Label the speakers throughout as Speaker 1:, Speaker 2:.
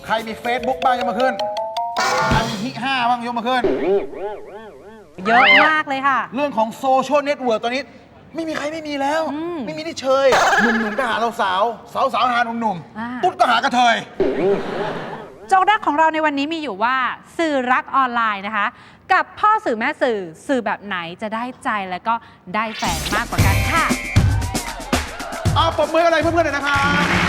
Speaker 1: ใครมี Facebook บ้างยกมาขึ้นใครมีฮิ5บ้างยกมาขึ้น
Speaker 2: เยอะมากเลยค่ะ
Speaker 1: เรื่องของโซเชียลเน็ตเวิร์กตอนนี้ไม่มีใครไม่มีแล้ว ไม่มีที่เชยหนุ่มๆก็หาสาวๆสาวๆหาหนุ่ม
Speaker 2: อ่า
Speaker 1: ๆตุ๊ดก็หากระเทย
Speaker 2: โจทย์แรกของเราในวันนี้มีอยู่ว่าสื่อรักออนไลน์นะคะ กับพ่อสื่อแม่สื่อแบบไหนจะได้ใจและก็ได้แฟนมากกว่ากันค่ะ
Speaker 1: ปรบมืออะไรเพื่อนๆหน่อยนะครับ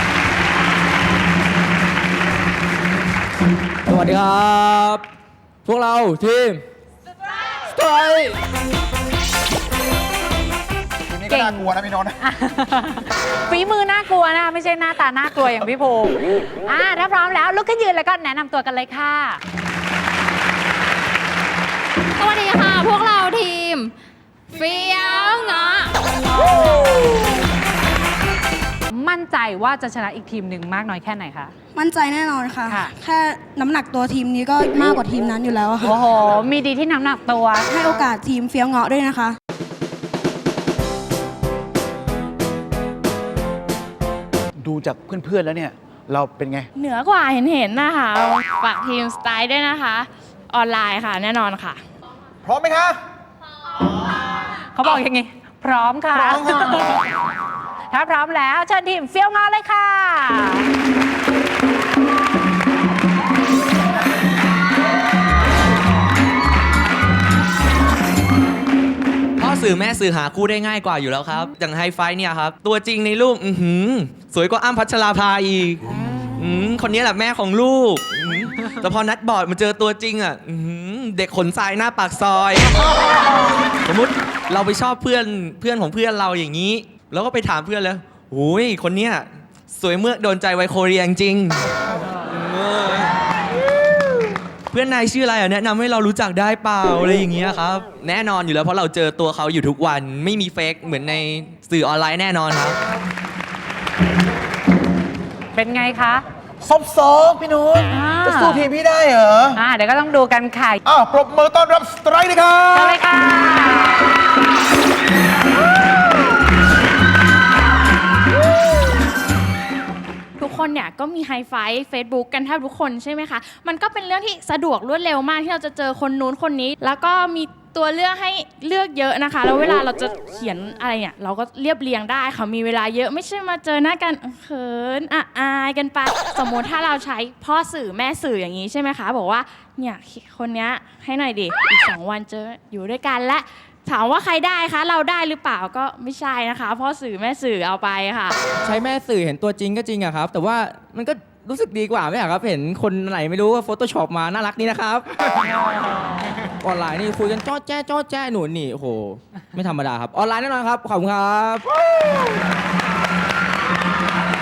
Speaker 3: สวัสดีครับ พวกเราทีมสไตร์
Speaker 1: ทีนี้ก็น่ากลัวนะพี่โนนท์
Speaker 2: ฝีมือน่ากลัวนะไม่ใช่หน้าตาน่ากลัวอย่างพี่ภูมิถ้าพร้อมแล้วลุกขึ้นยืนแล้วก็แนะนำตัวกันเลยค่ะ
Speaker 4: สวัสดีค่ะ พวกเราทีมเฟี้ยวเงาะ
Speaker 2: มั่นใจว่าจะชนะอีกทีมหนึ่งมากน้อยแค่ไหนคะ
Speaker 5: มั่นใจแน่นอนค่ะ
Speaker 2: ค่ะ
Speaker 5: แค่น้ำหนักตัวทีมนี้ก็มากกว่าทีมนั้นอยู่แล้วอะค่ะ
Speaker 2: โอ้โห มีดีที่น้ำหนักตัว
Speaker 5: ให้โอกาสทีมเฟี้ยวเงาะด้วยนะคะ
Speaker 1: ดูจากเพื่อนๆแล้วเนี่ยเราเป็นไง
Speaker 4: เหนือกว่าเห็นนะคะฝากทีมสไตล์ด้วยนะคะ ออนไลน์ค่ะ แน่นอนค่ะ
Speaker 1: พร้อมไหมคะ
Speaker 2: เขาบอกอย่างงี้ พร้อมค่ะ
Speaker 1: พร้อมค่ะ
Speaker 2: ถ้าพร้อมแล้วเชิญทีมเฟี้ยวงาเลยค่ะ
Speaker 3: พ่อสื่อแม่สื่อหาคู่ได้ง่ายกว่าอยู่แล้วครับ อย่างไฮไฟเนี่ยครับ ตัวจริงในรูปสวยกว่าอ้ำพัชราภาอีกคนนี้แหละแม่ของลูกแต่พอนัดบอร์ดมาเจอตัวจริงอ่ะเด็กขนทรายหน้าปากซอย สมมุติเราไปชอบเพื่อนของเพื่อนเราอย่างนี้ แล้วก็ไปถามเพื่อนแล้วโอ้ยคนเนี้ยสวยเมื่อโดนใจไวโคเรียจริงเพื่อนนายชื่ออะไรอ่ะแนะนำให้เรารู้จักได้เปล่าอะไรอย่างเงี้ยครับแน่นอนอยู่แล้วเพราะเราเจอตัวเขาอยู่ทุกวันไม่มีเฟกเหมือนในสื่อออนไลน์แน่นอนครับ
Speaker 2: เป็นไงคะ
Speaker 1: ซบซ้อพี่โนนท์จะสู้ทีมพี่ได้เหรอ
Speaker 2: เดี๋ยวก็ต้องดูกันค่ะ
Speaker 1: ปรบมือต้อนรับสไตร์เลยครั
Speaker 2: เชิญ
Speaker 1: บ
Speaker 2: เลยค่ะ
Speaker 4: ทุกคนเนี่ยก็มีไฮไฟว์ Facebook กันแทบทุกคนใช่ไหมคะ มันก็เป็นเรื่องที่สะดวกรวดเร็วมากที่เราจะเจอคนนู้นคนนี้ แล้วก็มีตัวเลือกให้เลือกเยอะนะคะ แล้วเวลาเราจะเขียนอะไรเนี่ยเราก็เรียบเรียงได้ค่ะมีเวลาเยอะไม่ใช่มาเจอหน้ากันเขินอายกันไปสมมติถ้าเราใช้พ่อสื่อแม่สื่ออย่างนี้ใช่ไหมคะบอกว่าเนี่ยคนเนี้ยให้หน่อยดิอีก2 วันเจออยู่ด้วยกันและถามว่าใครได้คะเราได้หรือเปล่าก็ไม่ใช่นะคะพ่อสื่อแม่สื่อเอาไปค่ะ
Speaker 3: ใช้แม่สื่อเห็นตัวจริงก็จริงอะครับ แต่ว่ามันก็รู้สึกดีกว่าไหมอะครับ เห็นคนไหนไม่รู้ว่า Photoshop มาน่ารักนี่นะครับ ออนไลน์นี่คุยกันจ้อแจ้หนุนนี่โอ้โหไม่ธรรมดาครับ ออนไลน์แน่นอนครับ ขอบคุณครับ